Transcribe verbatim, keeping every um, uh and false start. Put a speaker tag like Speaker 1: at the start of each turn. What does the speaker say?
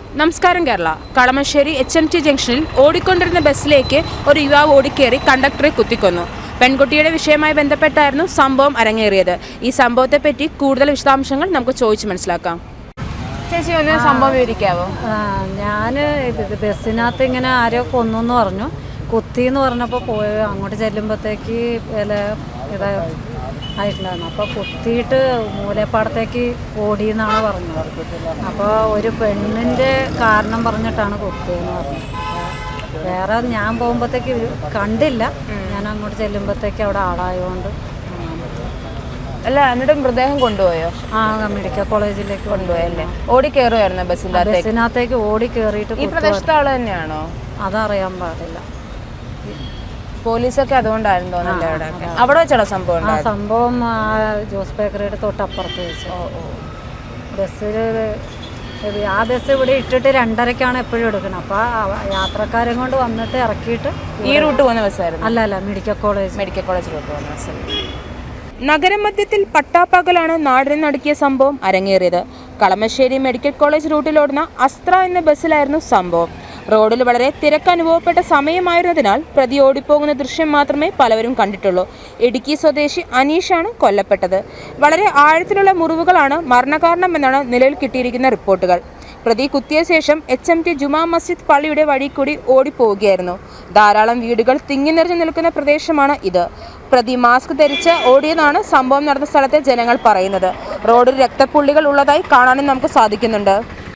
Speaker 1: നമസ്കാരം Kerala. Kalamassery H M T ജംഗ്ഷനിൽ ഓടിക്കൊണ്ടിരുന്ന ബസ്സിലേക്ക് ഒരു യുവാവ് ഓടിക്കേറി കണ്ടക്ടറെ കുത്തിക്കൊന്നു. പെൺകുട്ടിയുടെ വിഷയവുമായി ബന്ധപ്പെട്ടായിരുന്നു സംഭവം അരങ്ങേറിയത്. ഈ സംഭവത്തെപ്പറ്റി കൂടുതൽ വിശദാംശങ്ങൾ നമുക്ക് ചോദിച്ച് മനസ്സിലാക്കാം. ചേച്ചി ഒന്ന് സംഭവം വിവരിക്കാവോ?
Speaker 2: ഞാൻ ബസ്സിനകത്ത് ഇങ്ങനെ ആരോ കൊന്നു എന്ന് പറഞ്ഞു, കുത്തി എന്ന് പറഞ്ഞപ്പോൾ പോയി അങ്ങോട്ട് ചെല്ലുമ്പോഴത്തേക്ക് വില ഇതാ ആയിട്ടുണ്ടായിരുന്നു. അപ്പോൾ കുത്തിയിട്ട് മൂലപ്പാടത്തേക്ക് ഓടിയെന്നാണ് പറഞ്ഞത്. അപ്പോൾ ഒരു പെണ്ണിൻ്റെ കാരണം പറഞ്ഞിട്ടാണ് കുത്തിയെന്ന് പറഞ്ഞത്. വേറെ ഞാൻ പോകുമ്പോഴത്തേക്ക് കണ്ടില്ല, ഞാൻ അങ്ങോട്ട് ചെല്ലുമ്പോഴത്തേക്ക് അവിടെ ആളായതുകൊണ്ട്.
Speaker 1: അല്ല, എന്നിട്ട് മൃതദേഹം കൊണ്ടുപോയോ?
Speaker 2: ആ, മെഡിക്കൽ കോളേജിലേക്ക്
Speaker 1: കൊണ്ടുപോയല്ലേ? ഓടി കയറുമായിരുന്നു ബസ്സിൻ്റെ
Speaker 2: ബസ്സിനകത്തേക്ക് ഓടി കയറിയിട്ട്.
Speaker 1: ഈ പ്രദേശത്തെ ആള് തന്നെയാണോ?
Speaker 2: അതറിയാൻ പാടില്ല.
Speaker 1: പോലീസൊക്കെ അതുകൊണ്ടായിരുന്നു തോന്നുന്നില്ല അവിടെ അവിടെ വെച്ചാണോ സംഭവം?
Speaker 2: ആ സംഭവം ജോസ് ബേക്കറിയുടെ തൊട്ടപ്പുറത്ത് വെച്ചു. ബസ്സിൽ ആ ബസ് ഇവിടെ ഇട്ടിട്ട് രണ്ടരക്കാണ് എപ്പോഴും എടുക്കുന്നത്. അപ്പോൾ യാത്രക്കാരെ കൊണ്ട് വന്നിട്ട് ഇറക്കിയിട്ട്
Speaker 1: ഈ റൂട്ട് പോകുന്ന ബസ്സായിരുന്നു?
Speaker 2: അല്ല അല്ല മെഡിക്കൽ കോളേജ്
Speaker 1: മെഡിക്കൽ കോളേജിലോട്ട് പോകുന്ന ബസ്. നഗരമധ്യത്തിൽ പട്ടാപ്പകലാണ് നാടിനെ നടുക്കിയ സംഭവം അരങ്ങേറിയത്. കളമശ്ശേരി മെഡിക്കൽ കോളേജ് റൂട്ടിലോടുന്ന അസ്ത്ര എന്ന ബസ്സിലായിരുന്നു സംഭവം. റോഡിൽ വളരെ തിരക്ക് അനുഭവപ്പെട്ട സമയമായിരുന്നതിനാൽ പ്രതി ഓടിപ്പോകുന്ന ദൃശ്യം മാത്രമേ പലവരും കണ്ടിട്ടുള്ളൂ. ഇടുക്കി സ്വദേശി അനീഷാണ് കൊല്ലപ്പെട്ടത്. വളരെ ആഴത്തിലുള്ള മുറിവുകളാണ് മരണകാരണമെന്നാണ് നിലവിൽ കിട്ടിയിരിക്കുന്ന റിപ്പോർട്ടുകൾ. പ്രതി കുത്തിയ ശേഷം എച്ച് എം ടി ജുമാ മസ്ജിദ് പള്ളിയുടെ വഴി കൂടി ഓടിപ്പോവുകയായിരുന്നു. ധാരാളം വീടുകൾ തിങ്ങി നിറഞ്ഞു നിൽക്കുന്ന പ്രദേശമാണ് ഇത്. പ്രതി മാസ്ക് ധരിച്ച് ഓടിയെന്നാണ് സംഭവം നടന്ന സ്ഥലത്തെ ജനങ്ങൾ പറയുന്നത്. റോഡിൽ രക്തപ്പുള്ളികൾ ഉള്ളതായി കാണാനും നമുക്ക് സാധിക്കുന്നുണ്ട്.